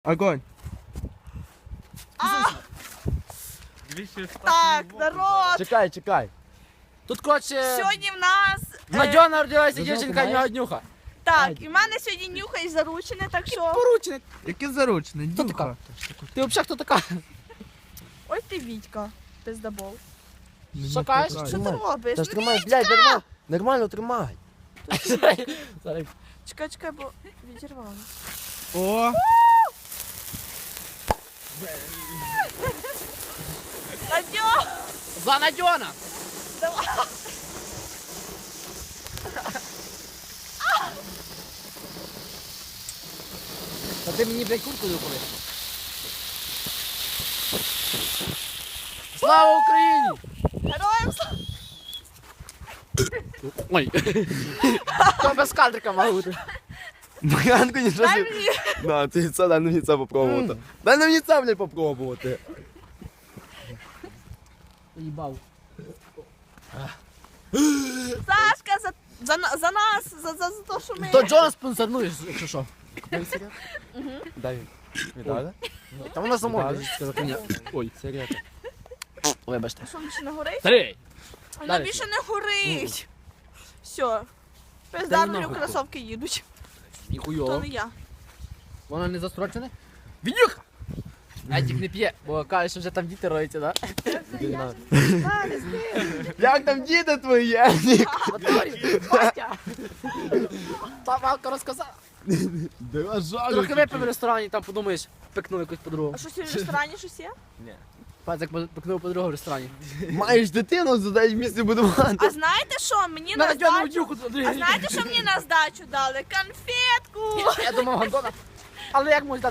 Огонь. Так, народ. Чекай. Тут, коротше, Сьогодні в нас... Надя народилася дівчинка Нюха. Так, і в мене сьогодні нюхай заручене, так що... Порученик. Яке заручне? Хто така? Ти взагалі хто така? Ось ти Вітька, пиздабол. Що кажеш? Що ти робиш? Та ж Ну, тримай, блядь, нормально тримай. Зараз. Чекай, бо відірвало. О, Надьо! За Надьона! Давай! Та ти мені, блядь, куртку доколи. Слава Україні! Героям слава! Ой. То без кадрика мав бути. Баганку нічого Дай собі. мені! На, ти це, дай мені це попробувати. Дай мені це, блядь, попробувати. Їбав. Сашка, за нас, за те, що ми... То Джона спонсорнуєш, якщо що. Дай. Віддали? Там вона само. Ой, сигарета. Вибачте. Що, більше не горить? Три. Вона Далі. більше не горить. Все. Дай Пиздарною нахуй. кросовки їдуть. То Ніхуйово. не я. Вона не застрочена? Вінюха! Едік не п'є, бо каже, що вже там діти роються, да? Як там діти твої, Едік? Батя! Та Валка розказала. Трохи випив в ресторані, там подумаєш, пекнув якусь подругу. А що сьогодні в ресторані щось є? Пацик пекнув подругу в ресторані. Маєш дитину, задай в місці будувати. А знаєте що? Мені на Надьону здачу... дюху туди. А знаєте, що мені на здачу дали? Конфетку! Я думав, Гандона. Але як можна